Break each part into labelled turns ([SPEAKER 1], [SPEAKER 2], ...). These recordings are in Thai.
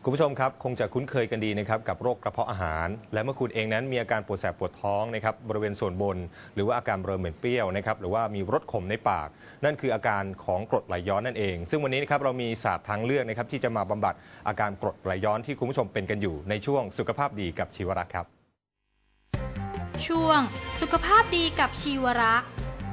[SPEAKER 1] คุณผู้ชมครับคงจะคุ้นเคยกันดีนะครับกับโรคกระเพาะอาหารและเมื่อคุณเองนั้นมีอาการปวดแสบปวดท้องนะครับบริเวณส่วนบนหรือว่าอาการเริ่มเหม็นเปรี้ยวนะครับหรือว่ามีรสขมในปากนั่นคืออาการของกรดไหลย้อนนั่นเองซึ่งวันนี้นะครับเรามีศาสตร์ทางเลือกนะครับที่จะมาบำบัดอาการกรดไหลย้อนที่คุณผู้ชมเป็นกันอยู่ในช่วงสุขภาพดีกับชีวรักษ์ครับ
[SPEAKER 2] ช่วงสุขภาพดีกับชีวรักษ์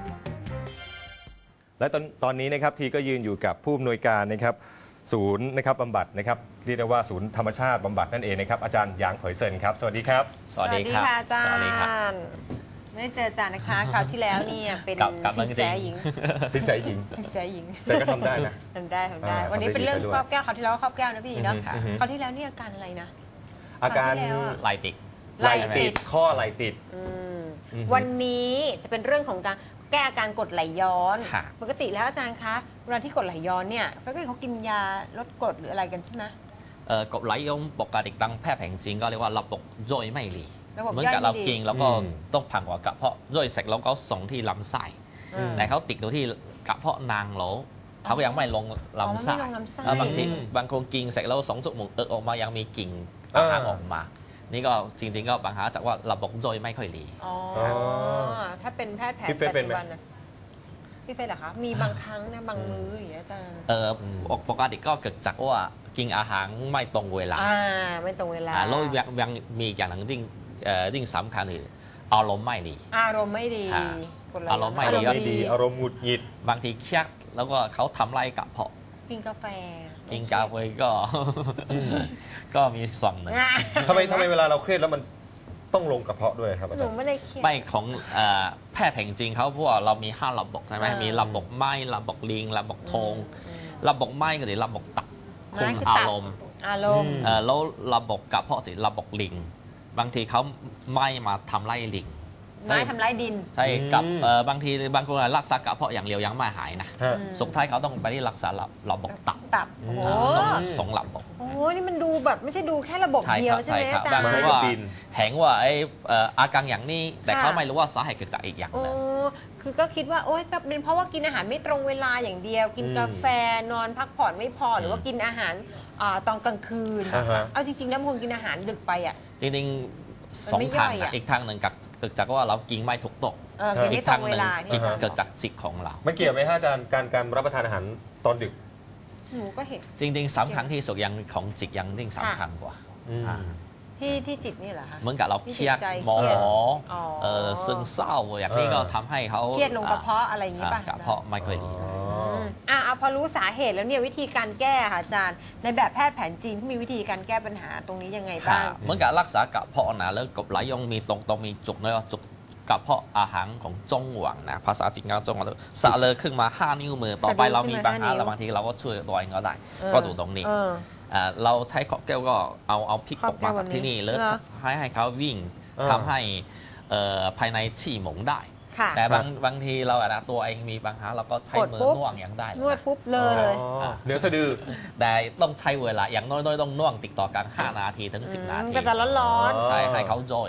[SPEAKER 1] และตอนนี้นะครับทีก็ยืนอยู่กับผู้อำนวยการนะครับศูนย์นะครับบำบัดนะครับเรียกได้ว่าศูนย์ธรรมชาติบำบัดนั่นเองนะครับอาจารย์หยางเผยเซินครับสวัสดีครับ
[SPEAKER 3] สวัสดีค่ะอาจารย์
[SPEAKER 4] ไม่ได้เจออาจารย์นะคะคราวที่แล้วเนี่ยเป็นสินแสหญิง
[SPEAKER 1] สินแสหญิงแต่ก็ทำได้นะ
[SPEAKER 4] ทำได้วันนี้เป็นเรื่องครอบแก้วคราวที่แล้วครอบแก้วนะพี่เนาะคราวที่แล้วเนี่ยอาการอะไรนะ
[SPEAKER 1] อาการ
[SPEAKER 3] ไหลติด
[SPEAKER 1] ข้อไหลติด
[SPEAKER 4] วันนี้จะเป็นเรื่องของการแก้อาการกรดไหลย้อนปกติแล้วอาจารย์คะเวลาที่กรดไหลย้อนเนี่ยเขากินยาลดกรดหรืออะไรกันใช่ไหม
[SPEAKER 3] กรดไหลย้อนปกติตั้งแพทย์แผนจีนก็เรียกว่าระบบย่อยไม่ดีเหมือนกับเรากินแล้วก็ต้องผ่านหัวกระเพาะย่อยเสร็จแล้วก็ส่งที่ลำไส้แต่เขาติดอยู่ที่กระเพาะนางโหลเขายังไม่ลงลำไส้บางทีบางคนกินเสร็จแล้ว2 ชั่วโมงออกมายังมีกลิ่นอาหารออกมานี่ก็จริงๆก็ปัญหาจากว่าระบบย่อยไม่ค่อยดี
[SPEAKER 4] ถ้าเป็นแพทย์แผนปัจจุบันนะพี่เฟย์เหรอคะมีบางครั้งนะบางมื้ออย่างเงี้ยอาจารย์
[SPEAKER 3] ปกติก็เกิดจากว่ากินอาหารไม่ตรงเวลา
[SPEAKER 4] ไม่ตรงเวลา
[SPEAKER 3] แล้วยังมีอย่างหนึ่งจริงสำคัญคืออารมณ์ไม่ดี
[SPEAKER 4] อารมณ์ไม่ดี
[SPEAKER 3] อารมณ์ไม่
[SPEAKER 1] ดีอารมณ์หงุดหงิด
[SPEAKER 3] บางทีเครียดแล้วก็เขาทำไรกระเพาะ
[SPEAKER 4] กินกาแฟ
[SPEAKER 3] กินกาแฟก็มีส่วนหนึ่ง
[SPEAKER 1] ทำไมเวลาเราเครียดแล้วมันต้องลงกระเพาะด้วยครับอาจารย์
[SPEAKER 4] หนูไม่ได้เครียด
[SPEAKER 3] ไม่ของแพทย์แผนจีนเขาเพราะว่าเรามี5 ระบบใช่ไหมมีระบบไม้ระบบลิงระบบทงระบบไม้ก็คือระบบตับคุมอารมณ์แล้วระบบกระเพาะสิระบบลิงบางทีเขาไม่มาทำไล่ลิง
[SPEAKER 4] ไม่ทำไล่ดิน
[SPEAKER 3] ใช่กับบางทีบางคนรักษากระเพาะอย่างเดียวยังไม่หายนะสุดท้ายเขาต้องไปที่รักษาระบบตับต้อง2 ระบบ
[SPEAKER 4] โอ้นี่มันดูแบบไม่ใช่ดูแค่ระบบเดียวใช่ไหมอาจารย์
[SPEAKER 3] บางคนว่าแหงว่าอาการอย่างนี้แต่เขาไม่รู้ว่าสาเหตุเกิดจากอีกอย่างนึง
[SPEAKER 4] คือก็คิดว่าโอ๊ยเป็นเพราะว่ากินอาหารไม่ตรงเวลาอย่างเดียวกินกาแฟนอนพักผ่อนไม่พอหรือว่ากินอาหารตอนกลางคืนเอาจริงๆแล้วบางคนกินอาหารดึกไปอ่ะ
[SPEAKER 3] จริง2 ทางอีกทางหนึ่งเกิดจากว่าเรากินไม่ถูกต้องอีกทางหนึ่งเกิดจากจิตของเรา
[SPEAKER 1] มันเกี่ยวไหมฮะอาจารย์การรับประทานอาหารตอนดึก
[SPEAKER 4] หนูก็เห็น
[SPEAKER 3] จริงๆสำคัญที่สุดยังของจิตยังยิ่งสำคัญกว่า
[SPEAKER 4] ที่จิตนี่เหรอคะ
[SPEAKER 3] เหมือนกับเราเครียดโมโหซึมเศร้าอย่างนี้ก็ทำให้เขา
[SPEAKER 4] เครียดลงกระเพาะอะไรอย่างนี้ป่ะ
[SPEAKER 3] กระเพาะไม่ค่อยดี
[SPEAKER 4] พอรู้สาเหตุแล้วเนี่ยวิธีการแก้ค่ะอาจารย์ในแบบแพทย์แผนจีนที่มีวิธีการแก้ปัญหาตรงนี้ยังไงบ้าง
[SPEAKER 3] เหมือนกับรักษากระเพาะนะแล้วกบไหลย้อนมีตรงมีจุกแล้วจุกกระเพาะอาหารของจงหวังนะภาษาจีนก็จงหวังสะเลยขึ้นมา5 นิ้วมือต่อไปเรามีปัญหาแล้วบางทีเราก็ช่วยตัวเองก็ได้ก็ถูกตรงนี้เราใช้ขอบแก้วก็เอาพริกออกมาจากที่นี่แล้วให้เขาวิ่งทำให้ภายในฉี่หมงได้แต่บางทีเราตัวเองมีปัญหาเราก็ใช้มือน่วงอย่างได้
[SPEAKER 4] นวดปุ๊บเลย
[SPEAKER 1] เนื้อสะดือ
[SPEAKER 3] แต่ต้องใช้เวลาอย่างน้อยๆต้องน่วงติดต่อกัน5 นาทีถึง10 นาที
[SPEAKER 4] ก็จะร้อน
[SPEAKER 3] ใช่ให้เขาย่อย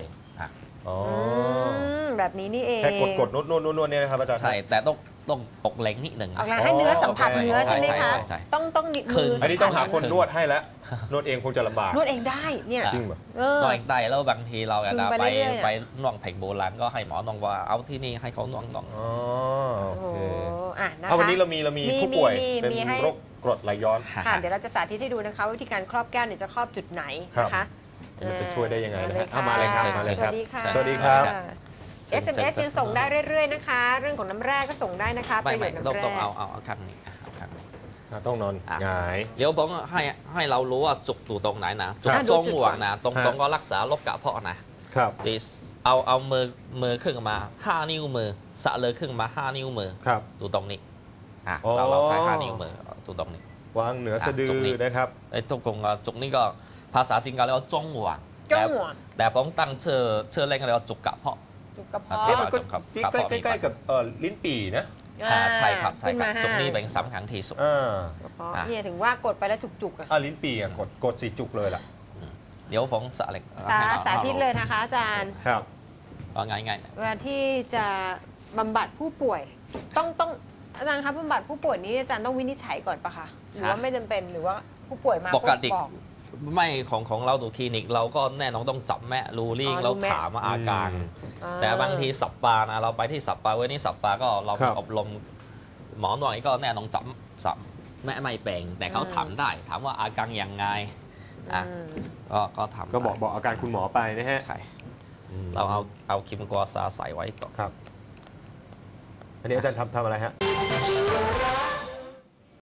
[SPEAKER 4] แบบนี้นี่เอง
[SPEAKER 1] แค่กดนวดเนี่ยนะครับอาจารย์
[SPEAKER 3] ใช่แต่ต้องอกเล็งนิดหนึ่ง
[SPEAKER 4] ให้เนื้อสัมผัสเนื้อใช่ไหมคะต้อง
[SPEAKER 1] มืออันนี้ต้องหาคนนวดให้แล้วนวดเองคงจะลำบาก
[SPEAKER 4] นวดเองได้เนี่ย
[SPEAKER 1] จริงป่ะ
[SPEAKER 3] นวดเองได้แล้วบางทีเราไปน่วงแผงโบราณก็ให้หมอนวดว่าเอาที่นี่ให้เขาน่วง
[SPEAKER 1] โอเควันนี้เรามีผู้ป่วยเป็นโรคกรดไหลย้อน
[SPEAKER 4] ค่ะเดี๋ยวเราจะสาธิตให้ดูนะคะวิธีการครอบแก้วเนี่ยจะครอบจุดไหนนะคะ
[SPEAKER 1] มันจะช่วยได้ยังไงนะฮะมาเลยครับ
[SPEAKER 4] สวัสดีค่ะ
[SPEAKER 1] สวัสดีครับ
[SPEAKER 4] SMS ยังส่งได้เรื่อยๆนะคะเรื่องของน้ำแร่ก็ส่งได้นะคะ
[SPEAKER 3] ประโยชน์น้ำแร่ต้องเอาข้างนี้
[SPEAKER 1] ต้องนอนหงาย
[SPEAKER 3] เดี๋ยวผมให้เรารู้ว่าจุกอยู่ตรงไหนนะจุกจงหวงนะตรงก็รักษาโรคกระเพาะนะครับเอามือขึ้นมา5 นิ้วมือสะเลยขึ้นมา5 นิ้วมือดูตรงนี้เราใช้5 นิ้วมือดูตรงนี้
[SPEAKER 1] วางเหนือสะดือนะครับ
[SPEAKER 3] ไอ้ตรงจุกนี้ก็ภาษาจีนก็เรียกว่าจงหวงแต่ผมตั้งชื่อเล่นเรียกว่าจุกกระเพาะ
[SPEAKER 1] มันก็ใกล้ๆกับลิ้นปี่นะ
[SPEAKER 3] ใช่ครับจุกนี้เป็นสำคัญที่สุด
[SPEAKER 4] เนี่ยถึงว่ากดไปแล้วจุกๆ
[SPEAKER 1] ลิ้นปี่กด4 จุกเลยล่ะ
[SPEAKER 3] เดี๋ยวผม
[SPEAKER 4] สาธิตเลยนะคะอาจารย์
[SPEAKER 1] ครับ
[SPEAKER 3] ง่าย
[SPEAKER 4] เวลาที่จะบำบัดผู้ป่วยต้องอาจารย์ครับบำบัดผู้ป่วยนี้อาจารย์ต้องวินิจฉัยก่อนปะคะหรือว่าไม่จำเป็นหรือว่าผู้ป่วยมา
[SPEAKER 3] ปกติไม่ของเราดูคลินิกเราก็แน่นอนต้องจับแม่รูลิ่งเราถามว่าอาการ แต่บางทีสัปปานะเราไปที่สัปปาเว้ยนี่สัปปาก็เรา
[SPEAKER 1] ครับ
[SPEAKER 3] อบรมหมอหน่อยก็แน่นอนจับแม่ไม่เป็นแต่เขาถามได้ถามว่าอาการยังไงอ่ะก็ทำ
[SPEAKER 1] ก็บอกอาการคุณหมอไปนะฮะ
[SPEAKER 3] ใช่เราเอาคิมกัวซาใส่ไว้ก่อน
[SPEAKER 1] ครับ อันนี้อาจารย์ทำอะไรฮะ